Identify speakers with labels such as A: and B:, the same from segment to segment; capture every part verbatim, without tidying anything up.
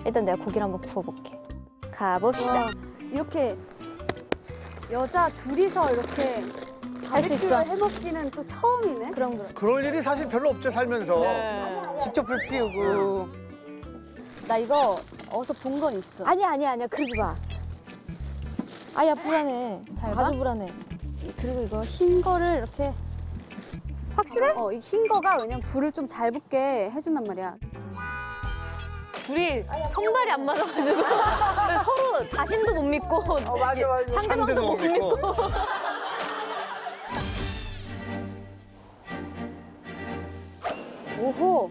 A: 일단 내가 고기를 한번 구워볼게. 가봅시다.
B: 와, 이렇게 여자 둘이서 이렇게
A: 할 수 있어.
B: 바베큐를 해먹기는 또 처음이네.
A: 그럼 그럼.
C: 그럴 일이 사실 별로 없죠, 살면서.
D: 네. 직접 불 피우고.
B: 나 이거 어디서 본 건 있어.
A: 아니야 아니야 아니야 그러지 마. 아야 불안해.
B: 잘 봐?
A: 아주 불안해.
B: 그리고 이거 흰 거를 이렇게
A: 확실해?
B: 어, 이 흰 거가 왜냐면 불을 좀 잘 붙게 해준단 말이야.
A: 둘이 손발이 안 맞아가지고 서로 자신도 못 믿고
D: 어, 맞아, 맞아.
A: 상대방도 못 믿고.
B: 오호.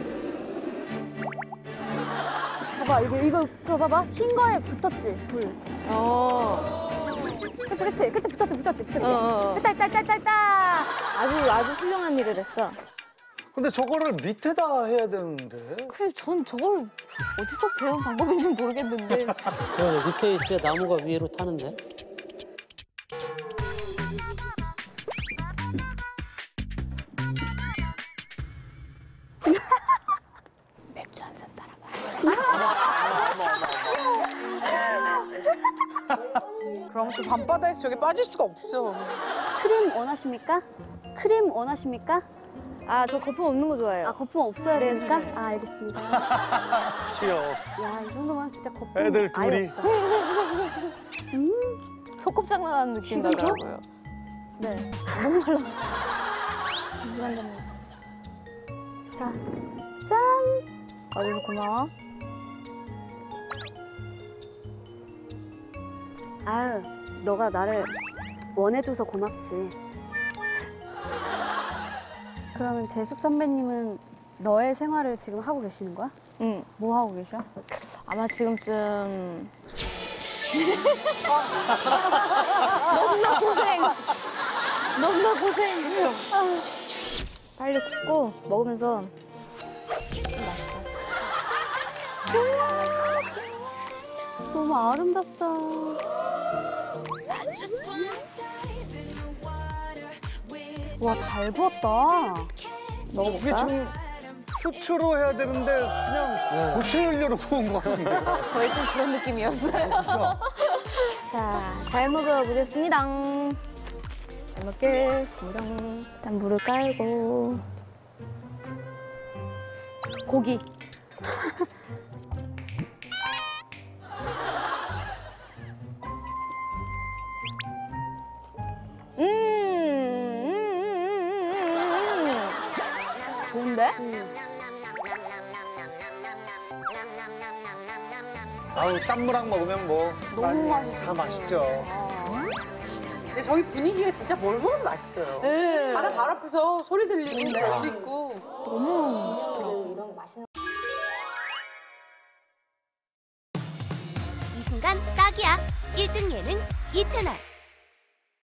B: 봐봐 이거 이거 이거 봐봐 흰 거에 붙었지 불.
A: 어.
B: 그치 그치 그치 붙었지 붙었지 붙었지.
A: 어.
B: 됐다 됐다 됐다 됐다.
A: 아주 아주 훌륭한 일을 했어.
C: 근데 저거를 밑에다 해야 되는데.
A: 그래 전 저걸 어디서 배운 방법인지 모르겠는데.
E: 그러네, 밑에 있어야 나무가 위로 타는데.
A: 맥주 한 잔 따라봐.
D: 그럼 저 밤바다에서 저게 빠질 수가 없어.
B: 크림 원하십니까? 크림 원하십니까?
A: 아 저 거품 없는 거 좋아해요.
B: 아 거품 없어야
A: 네,
B: 됩니까?
A: 선생님.
B: 아 알겠습니다.
C: 귀여워.
B: 야 이 정도면 진짜 거품
C: 애들
B: 아예
C: 둘이.
B: 없다.
A: 소꿉장난하는 느낌
B: 지금도?
A: 나더라고요. 네. 너무 말라. 물한 잔 먹었어.
B: 자, 짠!
A: 아주 고마워.
B: 아유, 너가 나를 원해줘서 고맙지. 그러면 재숙 선배님은 너의 생활을 지금 하고 계시는 거야?
A: 응.
B: 뭐 하고 계셔?
A: 아마 지금쯤 너무나 고생. 너무나 고생. 아, 빨리 굽고 먹으면서
B: 너무 아름답다. 와, 잘 부었다.
C: 이게
A: 먹어볼까?
C: 좀 수초로 해야 되는데 그냥 고체 연료로 구운 것 같은데.
A: 거의 좀 그런 느낌이었어요. 자, 잘 먹어보겠습니다. 잘 먹겠습니다. 일단 물을 깔고 고기. 음, 음, 음, 음, 음. 좋은데?
C: 아우, 쌈무랑 먹으면 뭐.
A: 너무
C: 다
A: 맛있어.
C: 맛있죠.
D: 근데 저기 분위기가 진짜 뭘 먹어도 맛있어요.
A: 네.
D: 바로 발 앞에서 소리 들리고 별도 있고.
F: 이 순간 딱이야. 일 등 예능 이 채널.